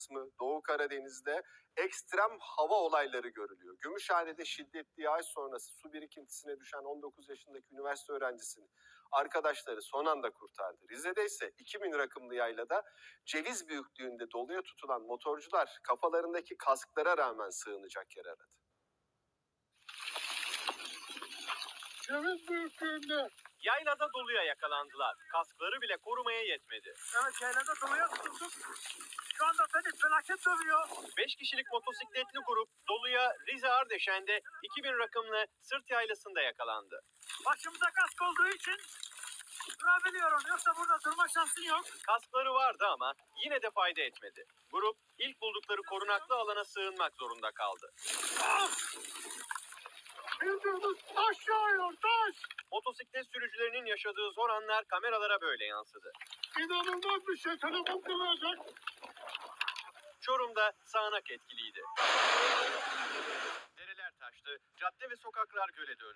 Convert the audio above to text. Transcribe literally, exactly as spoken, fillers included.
kısmı Doğu Karadeniz'de ekstrem hava olayları görülüyor. Gümüşhane'de şiddetli yağış sonrası su birikintisine düşen on dokuz yaşındaki üniversite öğrencisini arkadaşları son anda kurtardı. Rize'de ise iki bin rakımlı yaylada ceviz büyüklüğünde doluya tutulan motorcular kafalarındaki kasklara rağmen sığınacak yer aradı. Ceviz büyüklüğünde. Yaylada doluya yakalandılar. Kaskları bile korumaya yetmedi. Evet, yaylada doluya tutulduk. Şu anda beni felaket dövüyor. beş kişilik motosikletli grup doluya Rize Ardeşen'de iki bin rakımlı Sırt Yaylası'nda yakalandı. Başımıza kask olduğu için durabiliyorum. Yoksa burada durma şansın yok. Kaskları vardı ama yine de fayda etmedi. Grup ilk buldukları korunaklı alana sığınmak zorunda kaldı. Bildiğimiz taş yağıyor, taş. Motosiklet sürücülerinin yaşadığı zor anlar kameralara böyle yansıdı. İnanılmaz bir şey. Telefon kırılacak. Çorum'da sağanak etkiliydi. Dereler taştı, cadde ve sokaklar göle döndü.